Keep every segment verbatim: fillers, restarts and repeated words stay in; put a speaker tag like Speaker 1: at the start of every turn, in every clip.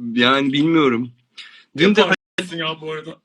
Speaker 1: Yani bilmiyorum. Dün de
Speaker 2: Yaparsın ya bu arada.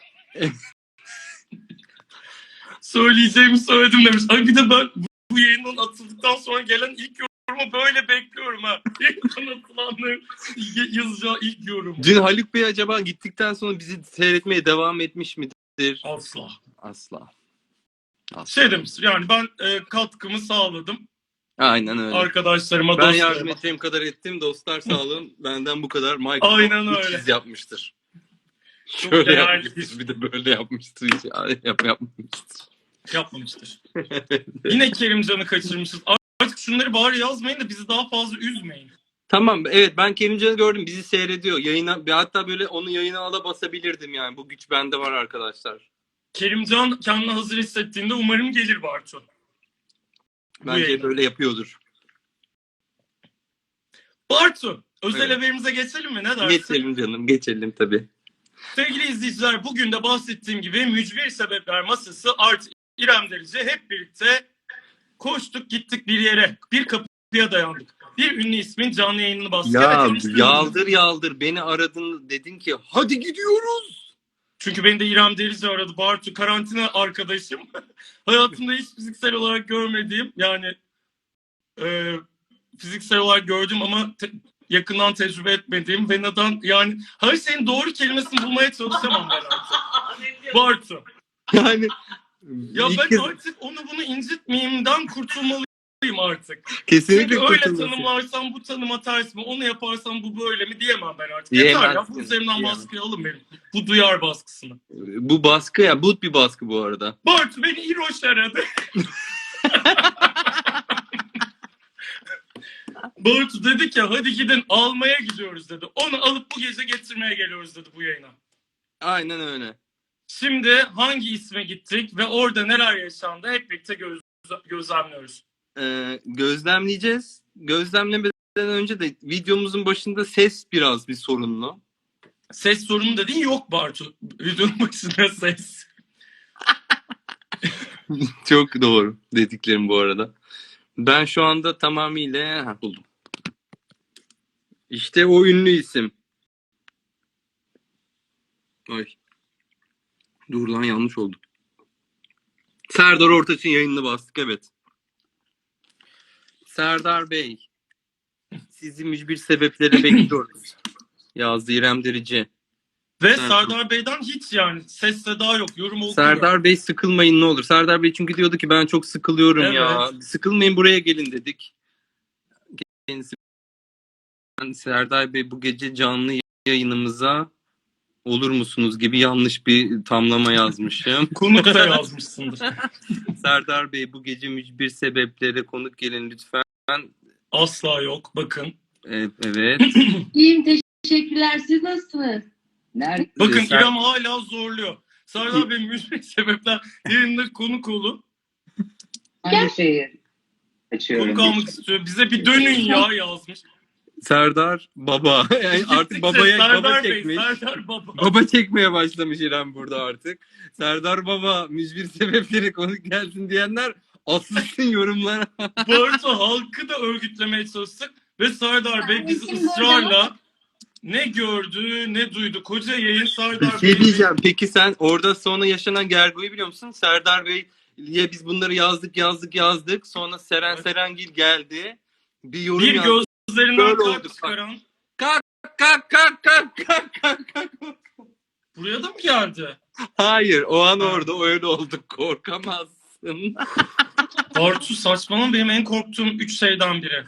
Speaker 2: Söyleyeceğimi söyledim demiş. Ay bir de ben bu yayından atıldıktan sonra gelen ilk yorumu böyle bekliyorum ha. Yayından atılanların yazacağı ilk yorum.
Speaker 1: Dün Haluk Bey acaba gittikten sonra bizi seyretmeye devam etmiş midir?
Speaker 2: Asla.
Speaker 1: Asla. Asla.
Speaker 2: Şey demiş yani ben e, katkımı sağladım.
Speaker 1: Aynen öyle.
Speaker 2: Arkadaşlarıma,
Speaker 1: ben
Speaker 2: dostlarıma.
Speaker 1: yardım edeceğim kadar ettim. Dostlar sağ olun. Benden bu kadar. Michael
Speaker 2: Aynen
Speaker 1: üç
Speaker 2: öyle.
Speaker 1: yüz yapmıştır.
Speaker 2: Çok
Speaker 1: Şöyle
Speaker 2: değerli.
Speaker 1: yapmıştır. Bir de böyle yapmıştır. Hiç yap, yapmamıştır.
Speaker 2: Yapmamıştır. Yine Kerimcan'ı kaçırmışız. Artık şunları bari yazmayın da bizi daha fazla üzmeyin.
Speaker 1: Tamam, evet, ben Kerimcan'ı gördüm. Bizi seyrediyor. Yayına, hatta böyle onu yayına ala basabilirdim yani. Bu güç bende var arkadaşlar.
Speaker 2: Kerimcan kendini hazır hissettiğinde umarım gelir Bartu.
Speaker 1: Bence böyle yapıyordur.
Speaker 2: Bartu, özel
Speaker 1: Evet.
Speaker 2: haberimize geçelim mi? Ne dersin?
Speaker 1: Geçelim canım, geçelim tabii.
Speaker 2: Sevgili izleyiciler, bugün de bahsettiğim gibi mücbir sebepler masası artı İrem Derici hep birlikte koştuk gittik bir yere. Bir kapıya dayandık. Bir ünlü ismin canlı yayınını bastık.
Speaker 1: Ya
Speaker 2: Evet,
Speaker 1: yaldır yaldır beni aradın, dedin ki hadi gidiyoruz.
Speaker 2: Çünkü beni de İrem Derici aradı. Bartu karantina arkadaşım. Hayatımda hiç fiziksel olarak görmediğim, yani e, fiziksel olarak gördüm ama te- yakından tecrübe etmediğim ve neden, yani her şeyin doğru kelimesini bulmaya çalışamam ben artık. Bartu.
Speaker 1: Yani
Speaker 2: Ya
Speaker 1: ilk
Speaker 2: ben
Speaker 1: kez...
Speaker 2: artık onu bunu incitmeyeyimden kurtulmalıyım artık.
Speaker 1: Kesinlikle
Speaker 2: Çünkü öyle
Speaker 1: kurtulması.
Speaker 2: tanımlarsam bu tanıma ters mi, onu yaparsam bu böyle mi diyemem ben artık.
Speaker 1: Diyemezsin.
Speaker 2: Yeter ya, bu üzerimden baskıyı alın benim. Bu duyar baskısını.
Speaker 1: Bu baskı ya, but bir baskı bu arada.
Speaker 2: Bartu beni İroş aradı. Bartu dedi ki hadi gidin almaya gidiyoruz dedi. Onu alıp bu gece getirmeye geliyoruz dedi bu yayına.
Speaker 1: Aynen öyle.
Speaker 2: Şimdi hangi isme gittik ve orada neler yaşandı hep birlikte göz, gözlemliyoruz.
Speaker 1: Ee, gözlemleyeceğiz. Gözlemlemeden önce de videomuzun başında ses biraz bir sorunlu.
Speaker 2: Ses sorunu dediğin yok Bartu. Videonun başında ses.
Speaker 1: Çok doğru dediklerim bu arada. Ben şu anda tamamıyla ha, buldum. İşte o ünlü isim. Ay. Dur lan, yanlış oldu. Serdar Ortaç'ın yayınını bastık, evet. Serdar Bey, sizi mücbir sebeplere bekliyoruz. Yazdı İrem Derici.
Speaker 2: Ve
Speaker 1: Serdar.
Speaker 2: Serdar Bey'den hiç yani ses seda yok. Yorum okumuyor.
Speaker 1: Serdar Bey sıkılmayın ne olur. Serdar Bey çünkü diyordu ki ben çok sıkılıyorum
Speaker 2: Evet.
Speaker 1: ya. Sıkılmayın, buraya gelin dedik. Kendisi, Serdar Bey bu gece canlı yayınımıza olur musunuz gibi yanlış bir tamlama yazmışım.
Speaker 2: Konuk da yazmışsındır.
Speaker 1: Serdar Bey bu gece mücbir sebeplere konuk gelin lütfen.
Speaker 2: Asla yok. Bakın.
Speaker 1: Evet. evet.
Speaker 3: İyiyim, teşekkürler. Siz nasılsınız?
Speaker 4: Nerede?
Speaker 2: Bakın
Speaker 1: Sen-
Speaker 2: İrem hala zorluyor. Serdar Bey müzik sebepler yerinde konuk olun.
Speaker 4: Hangi şehir? Açıyorum.
Speaker 2: Konuk almak istiyor. Bize bir dönün ya yazmış.
Speaker 1: Serdar Baba. Yani artık babaya
Speaker 2: Serdar
Speaker 1: baba
Speaker 2: Bey,
Speaker 1: çekmiş.
Speaker 2: Serdar Baba.
Speaker 1: Baba çekmeye başlamış İrem burada artık. Serdar Baba mücbir sebepleri konuk gelsin diyenler asılsın yorumlara.
Speaker 2: Bartu halkı da örgütlemeye çalıştık. Ve Serdar Bey bizi
Speaker 3: Anneciğim,
Speaker 2: ısrarla ne gördü ne duydu. Koca yayın
Speaker 1: Bir
Speaker 2: Serdar
Speaker 1: şey
Speaker 2: Bey.
Speaker 1: diyeceğim. Peki sen orada sonra yaşanan gergoyu biliyor musun? Serdar Bey'e biz bunları yazdık yazdık yazdık. Sonra Seren
Speaker 2: Evet.
Speaker 1: Serengil geldi. Bir yorum
Speaker 2: Bir
Speaker 1: yazdı.
Speaker 2: gözlerinden
Speaker 1: Böyle
Speaker 2: kalp
Speaker 1: oldu.
Speaker 2: çıkaran.
Speaker 1: Kalk kalk kalk kalk kalk kalk kalk.
Speaker 2: Buraya da mı geldi?
Speaker 1: Hayır, o an orada öyle oldu. Korkamazsın.
Speaker 2: Bartu saçmalama, benim en korktuğum üç şeyden biri.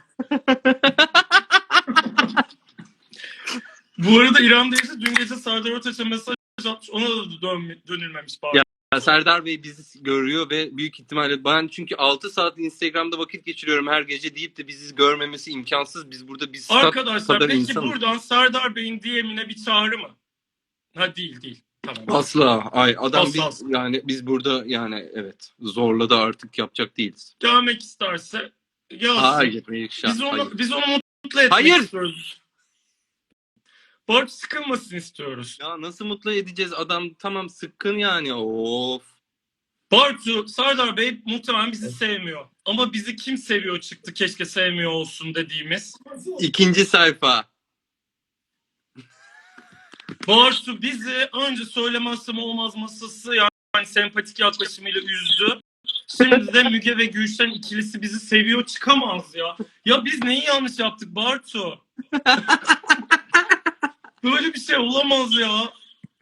Speaker 2: Bu arada İrem Derici dün gece Serdar Ortaç'a mesaj atmış. Ona da dön, dönülmemiş bari.
Speaker 1: Ya. Serdar Bey bizi görüyor ve büyük ihtimalle ben çünkü altı saat Instagram'da vakit geçiriyorum her gece deyip de bizi görmemesi imkansız. Biz burada biz
Speaker 2: Arkadaşlar
Speaker 1: kadar
Speaker 2: peki
Speaker 1: insanız.
Speaker 2: buradan Serdar Bey'in D M'ine bir çağrı mı? Ha değil değil. Tamam.
Speaker 1: Asla. Ay adam
Speaker 2: Asla.
Speaker 1: biz yani biz burada yani evet zorla da artık yapacak değiliz.
Speaker 2: Gelmek isterse gelsin.
Speaker 1: Hayır, hayır,
Speaker 2: Biz onu,
Speaker 1: hayır.
Speaker 2: biz onu mutlu etmek
Speaker 1: Hayır.
Speaker 2: istiyoruz. Bartu sıkılmasın istiyoruz.
Speaker 1: Ya nasıl mutlu edeceğiz adam, tamam sıkkın yani, of.
Speaker 2: Bartu, Serdar Bey muhtemelen bizi sevmiyor. Ama bizi kim seviyor çıktı keşke sevmiyor olsun dediğimiz.
Speaker 1: İkinci sayfa.
Speaker 2: Bartu bizi önce söylemezsem olmaz masası yani sempatik yaklaşımıyla üzdü. Şimdi de Müge ve Gülşen ikilisi bizi seviyor çıkamaz ya. Ya biz neyi yanlış yaptık Bartu? Böyle bir şey olamaz ya.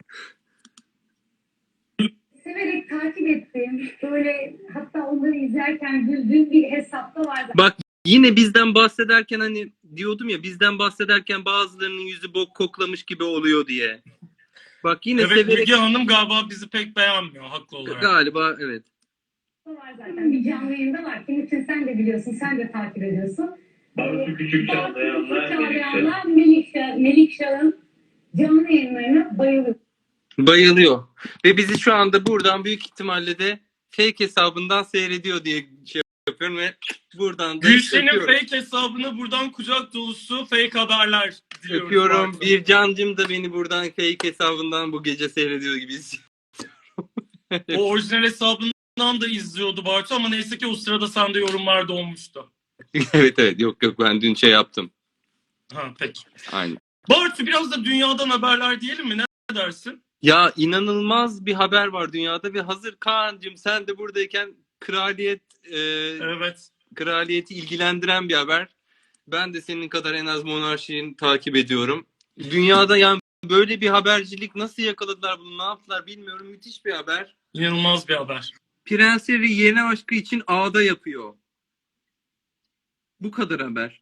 Speaker 5: Severek takip ettiğim, böyle hatta onları izlerken güldüğüm bir hesapta vardı.
Speaker 1: Bak yine bizden bahsederken hani diyordum ya bizden bahsederken bazılarının yüzü bok koklamış gibi oluyor diye. Bak yine
Speaker 2: Evet
Speaker 1: severek
Speaker 2: Müge Hanım galiba bizi pek beğenmiyor haklı olarak.
Speaker 1: galiba evet.
Speaker 5: Var zaten bir canlı yayında var. Kim için sen de biliyorsun, sen de takip ediyorsun.
Speaker 6: Bartu Küçük Çağlayanlar,
Speaker 5: Çağlayanlar Melikşah, Melikşah'ın canlı yayınlarına bayılıyor.
Speaker 1: Bayılıyor. Ve bizi şu anda buradan büyük ihtimalle de fake hesabından seyrediyor diye şey yapıyorum ve buradan da
Speaker 2: Gülşen'in
Speaker 1: öpüyorum.
Speaker 2: fake hesabına buradan kucak dolusu fake haberler diliyoruz.
Speaker 1: Öpüyorum.
Speaker 2: Bartu.
Speaker 1: Bir cancım da beni buradan fake hesabından bu gece seyrediyor gibi hissediyorum.
Speaker 2: O orijinal hesabından da izliyordu Bartu ama neyse ki o sırada sende yorumlar da olmuştu.
Speaker 1: Evet evet yok yok ben dün şey yaptım.
Speaker 2: Ha peki.
Speaker 1: Aynen.
Speaker 2: Bartu biraz da dünyadan haberler diyelim mi? Ne dersin?
Speaker 1: Ya inanılmaz bir haber var dünyada ve hazır Kaan'cığım sen de buradayken kraliyet e,
Speaker 2: Evet.
Speaker 1: kraliyeti ilgilendiren bir haber. Ben de senin kadar en az monarşiyi takip ediyorum. Dünyada yani böyle bir habercilik nasıl yakaladılar bunu ne yaptılar bilmiyorum. Müthiş bir haber.
Speaker 2: İnanılmaz bir haber.
Speaker 1: Prens Harry yeni aşkı için ağda yapıyor. Bu kadar haber.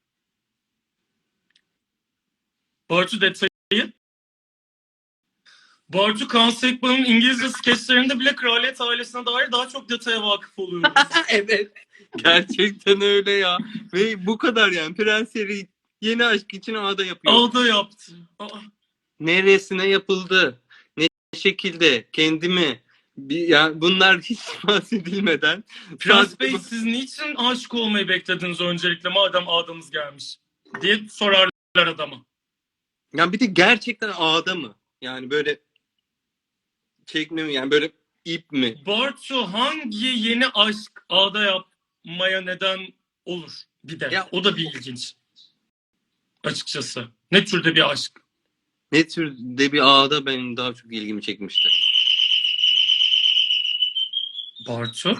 Speaker 2: Bartu detayı. Bartu Kaan Sekban'ın İngilizce skeçlerinde bile kraliyet ailesine dair daha çok detaya vakıf oluyoruz.
Speaker 1: Evet. Gerçekten öyle ya. Ve bu kadar yani. Prens Harry yeni aşk için ağda yapıyor.
Speaker 2: Ağda yaptı. Aa.
Speaker 1: Neresine yapıldı? Ne şekilde? Kendimi? Bir, yani bunlar hiç bahsedilmeden.
Speaker 2: Prens
Speaker 1: sadece
Speaker 2: Bey
Speaker 1: bu-
Speaker 2: siz niçin aşık olmayı beklediniz öncelikle madem ağdamız gelmiş diye sorarlar adama.
Speaker 1: Yani bir de gerçekten ağda mı? Yani böyle çekme mi? Yani böyle ip mi?
Speaker 2: Bartu hangi yeni aşk ağda yapmaya neden olur bir de.
Speaker 1: Ya-
Speaker 2: O da bir ilginç. Açıkçası. Ne türde bir aşk?
Speaker 1: Ne türde bir ağda benim daha çok ilgimi çekmişti.
Speaker 2: Bartu?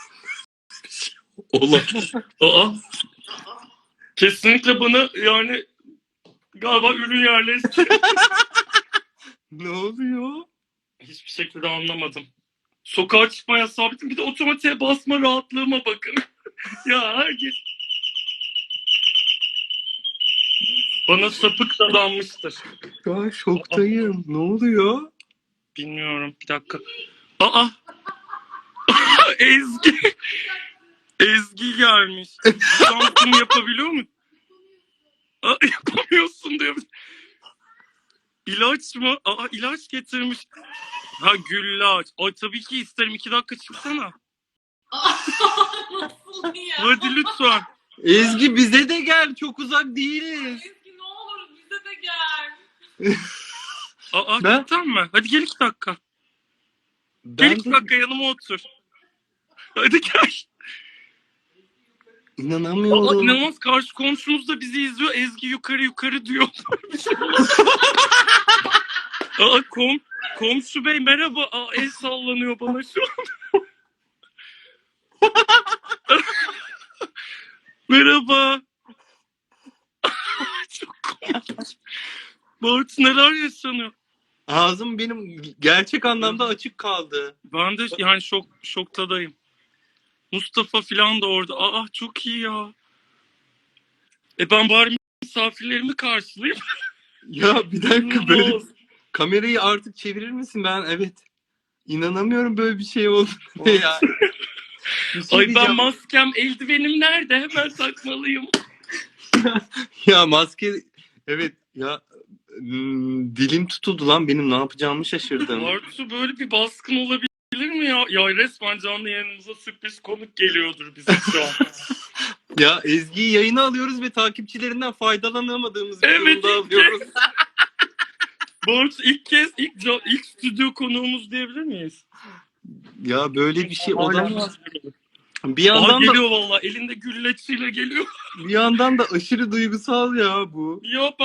Speaker 1: Olamaz.
Speaker 2: Aa. Kesinlikle bana yani galiba ürün yerleşti.
Speaker 1: Ne oluyor?
Speaker 2: Hiçbir şekilde anlamadım. Sokağa çıkma yasağı bitti. Bir de otomatiğe basma rahatlığıma bakın. Ya herkes bana sapık dadanmıştır.
Speaker 1: Şu an şoktayım. Ne oluyor?
Speaker 2: Bilmiyorum. Bir dakika. Aa! Ezgi! Ezgi gelmiş. Şansını yapabiliyor mu? Aa, yapamıyorsun diyor. İlaç mı? Aa ilaç getirmiş. Ha güllaç. Ay tabii ki isterim. İki dakika çıksana.
Speaker 7: Nasıl ya?
Speaker 2: Hadi lütfen.
Speaker 1: Ezgi bize de gel. Çok uzak değiliz.
Speaker 7: Ezgi ne olur bize de gel.
Speaker 2: Aa
Speaker 1: Ben-
Speaker 2: cidden mi? Hadi gel iki dakika. Gel
Speaker 1: Ben
Speaker 2: iki
Speaker 1: de
Speaker 2: dakika yanıma otur. Hadi gel. Aa,
Speaker 1: inanamıyorum.
Speaker 2: inanılmaz karşı komşumuz da bizi izliyor. Ezgi yukarı yukarı diyor. Aa, kom komşu bey merhaba. Aa, el sallanıyor bana şu an. Merhaba. Çok komik. Bartu neler yaşanıyor?
Speaker 1: Ağzım benim gerçek anlamda açık kaldı.
Speaker 2: Ben de yani şok şoktadayım. Mustafa filan da orada. Aa çok iyi ya. E ben bari misafirlerimi karşılayayım.
Speaker 1: Ya bir dakika böyle
Speaker 2: İnanılmaz.
Speaker 1: kamerayı artık çevirir misin? Ben evet. İnanamıyorum böyle bir şey oldu ya. Bir şey
Speaker 2: Ay ben
Speaker 1: diyeceğim.
Speaker 2: maskem, eldivenim nerede? Hemen takmalıyım.
Speaker 1: Ya maske evet ya hmm, dilim tutuldu lan benim ne yapacağımı şaşırdım.
Speaker 2: Bartu böyle bir baskın olabilir mi ya? Ya resmen canlı yayınımıza sürpriz konuk geliyordur bize şu an.
Speaker 1: Ya Ezgi'yi yayına alıyoruz ve takipçilerinden faydalanamadığımız bir
Speaker 2: Evet,
Speaker 1: durumda
Speaker 2: ilk
Speaker 1: alıyoruz.
Speaker 2: Bartu ilk kez ilk, ca- ilk stüdyo konuğumuz diyebilir miyiz?
Speaker 1: Ya böyle bir şey
Speaker 2: Hala-
Speaker 1: olamaz. Bir
Speaker 2: Aa,
Speaker 1: yandan da
Speaker 2: geliyor valla elinde gülleçiyle geliyor.
Speaker 1: bir yandan da aşırı duygusal ya bu.
Speaker 2: Ya